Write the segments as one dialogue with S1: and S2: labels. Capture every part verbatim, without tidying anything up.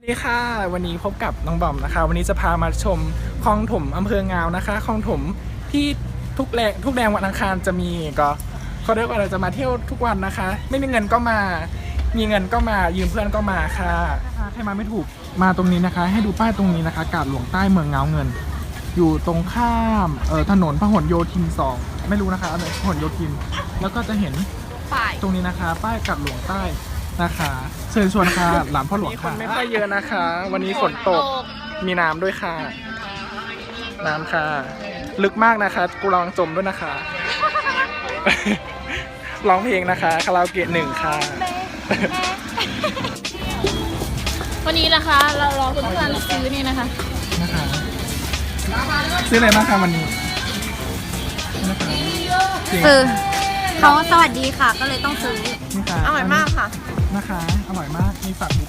S1: สวัสดีค่ะวันนี้พบกับน้องบอมนะคะวันนี้จะพามาชมคลองถมอำเภองาวนะคะคลองถมที่ทุกแรงทุกแรงวันอังคารจะมีก็เขาเรียกว่าเราจะมาเที่ยวทุกวันนะคะ ไม่มีเงินก็มามีเงินก็มายืมเพื่อนก็มาค่ะใครมาไม่ถูกมาตรงนี้นะคะ ให้ดูป้ายตรงนี้นะคะกาดหลวงใต้เมืองเงาเงิน อยู่ตรงข้ามเอ่อถนนพหลโยธินสองไม่รู้นะคะอะไรพหลโยธินแล้วก็จะเห็นตรงนี้นะคะป้ายกาดหลวงใต้นะคะเชิญชวนค่ะหลานพ่อหลวงค่ะไม่ค่อยเยอะนะคะ วันนี้ฝนตกมีน้ำด้วยค่ะน้ำค่ะลึกมากนะคะกูลองจมด้วยนะคะร้องเพลงนะคะคาราโอเกะหนึ่งค่ะ
S2: วันนี้นะคะเรารอเพื่อนๆซื้อนี่นะคะ
S1: นะคะซื้ออะไรบ้างคะวันนี้นะคะ
S3: ซื้อเขาสวัสดีค่ะก็เลยต้องซื้อ
S1: อ
S2: ร่อยมากค่ะ
S1: นะคะอร่อยมากมีฝากบุ๊ก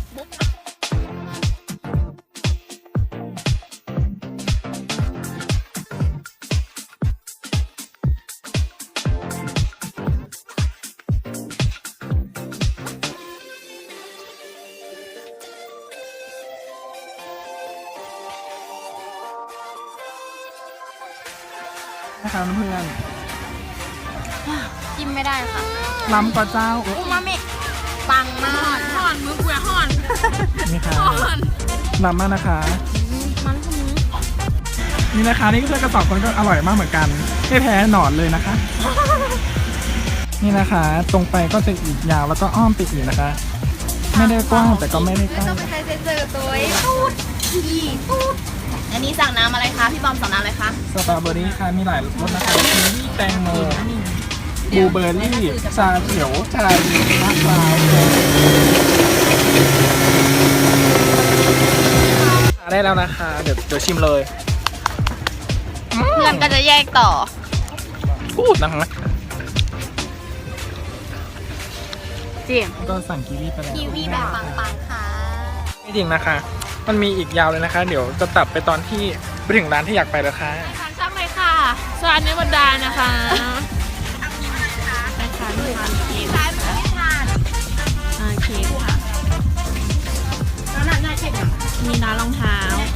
S1: นะคะเพื่อน
S2: จิ้มไม่ได้ค่ะ
S1: ล้ำก็เจ้า
S2: อูมามิปังมากห่อนมือกูอย่าห่อน
S1: นี่ค่ะล้ำมากนะคะ
S2: มันคือ
S1: นี่นะคะนี่ก็เพื่อนกระสอบคนก็อร่อยมากเหมือนกันไม่แพ้หนอนเลยนะคะนี่นะคะตรงไปก็จะอีกยาวแล้วก็อ้อมไปอีกนะคะไม่ได้กว้างแต่ก็ไม่ได้ใกล้
S2: ต้องไปใช้เซอร์ตัวตูดอีตูดอันนี้สั่งน้ำอะไรคะพี่บอมสั่งน้ำอะไรคะ
S1: สตรอเบอรี่ค่ะมีหลายรสนะคะมีแตงโมบลูเบอร์รี่ชาเขียวชาเย็นมะพร้าวได้แล้วนะคะเดี๋ยวเดี๋ยวชิมเลย
S2: เพื่อนก็จะแยกต่อ
S1: พูดนะคะ
S2: จริง
S1: ก็สั่งกีวีไปแล้ว
S2: กีวีแบบปังๆค่ะ
S1: ไม่จริงนะคะมันมีอีกยาวเลยนะคะเดี๋ยวจะตัดไปตอนที่ไปถึงร้านที่อยากไปแล้วค่ะ
S2: ทานช่างเลยค่ะสวัสดีบรรดานะคะทานทานเค้กทานไม่ทานทานเค้กค่ะแล้วน่าน่าเค้กมีน้ารองเท้า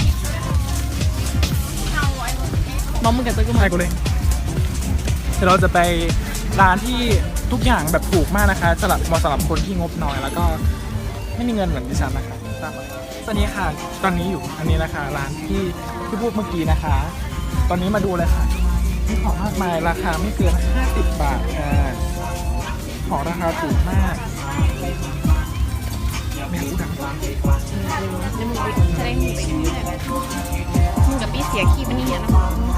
S2: บอมมึงกับตัวกู
S1: มากูเลยเดี๋ยวเราจะไปร้านที่ทุกอย่างแบบถูกมากนะคะสำหรับเหมาะสำหรับคนที่งบน้อยแล้วก็ไม่มีเงินเหมือนดิฉันนะคะตามมาตอนนี้ค่ะตอนนี้อยู่อันนี้นะคะร้านที่ที่พูดเมื่อกี้นะคะ ตอนนี้มาดูเลยค่ะมีของมากมายราคาไม่เกินห้าสิบบาทค่ะของราคาถูกมากไม่รู้ดังร้าน
S2: จะมึงจะได้มึงมึงกับพี่เสียขี้มันนี่นะ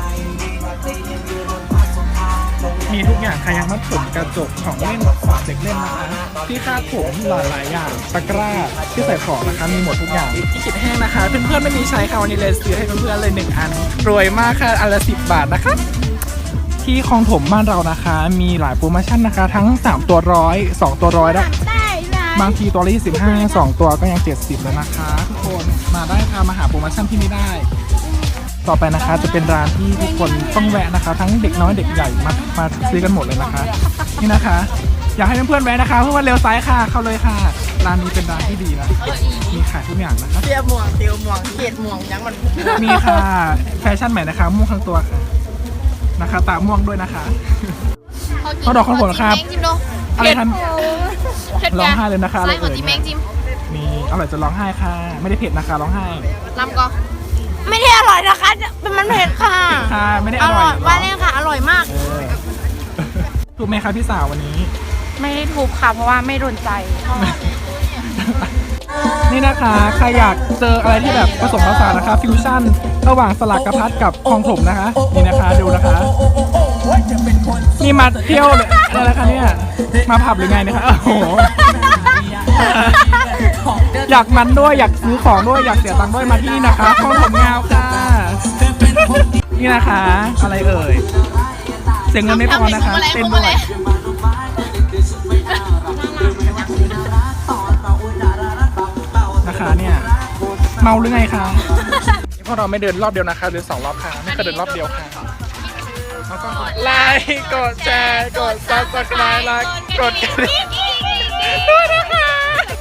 S1: มีทุกอย่างค่ะยังมัดผมกระจกของเล่นฝากเด็กเล่นนะคะที่คาดผมหลายหลายอย่างตะกร้าที่ใส่ของนะคะมีหมดทุกอย่างที่คิดแห้งนะคะเพื่อนๆไม่มีใช้ค่ะวันนี้เลยซื้อให้เพื่อนๆเลยหนึ่งอันรวยมากค่ะอันละสิบบาทนะคะที่คลองถมบ้านเรานะคะมีหลายโปรโมชั่นนะคะทั้งสามตัวร้อยสองตัวร้อยได้บางทีตัวละยี่สิบห้า สองตัวก็ยังเจ็ดสิบเลยนะคะทุกคนมาได้ค่ะมาหาโปรโมชั่นที่นี่ได้ต่อไปนะคะจะเป็นร้านที่ทุกคนต้องแวะนะคะทั้งเด็กน้อยเด็กใหญ่มามาซื้อกันหมดเลยนะคะนี่นะคะอยากให้เพื่อนๆแวะนะคะเพื่อนๆเลี้ยวซ้ายค่ะเข้าเลยค่ะร้านนี้เป็นร้านที่ดีนะมีขายทุกอย่างนะคะ
S2: เตียวหมวกเตียวหมวกเกียดหมวกยังมัน
S1: มีค่ะแฟชั่นใหม่นะคะม่วงทั้งตัวค่ะนะคะตาม่วงด้วยนะคะเขาดอกข้าวโพดครับอะไรทันร้องไห้เลยนะคะอะไรเอ่ยมีอร่อยจะร้องไห้ค่ะไม่ได้เผ็ดนะคะร้องไห้
S2: ลำก็ไม่ได้อร่อยนะคะมันเผ็ดค่ะ
S1: ค่ะไม่ได้อร่อย
S2: ว่าเล่นค่ะอร่อยมาก
S1: ถูกไหมคะพี่สาววันนี้
S2: ไม่ได้ถูกค่ะเพราะว่าไม่โดนใจ
S1: นี่นะคะใครอยากเจออะไรที่แบบผสมผสานนะคะฟิวชั่นระหว่างสลักกระพัดกับคลองถมนะคะนี่นะคะดูนะคะนี่มาเที่ยวเลยอะไรคะเนี่ยมาผับหรือไงนะคะโอ้โหอยากมันด้วยอยากซื้อของด้วยอยากเสียตังค์ด้วยมาที่นะคะคลองถมงาวค่ะนี่นะคะอะไรเอ่ยเสียเงินไม่พอนะคะเต้นด้วยนะคะเนี่ยเมาหรือไงคะพวกเราไม่เดินรอบเดียวนะคะเดินสองรอบค่ะไม่เคยเดินรอบเดียวค่ะแล้วก็ไลค์กดแชร์กดซับสไครบ์และกดกระดิ่ง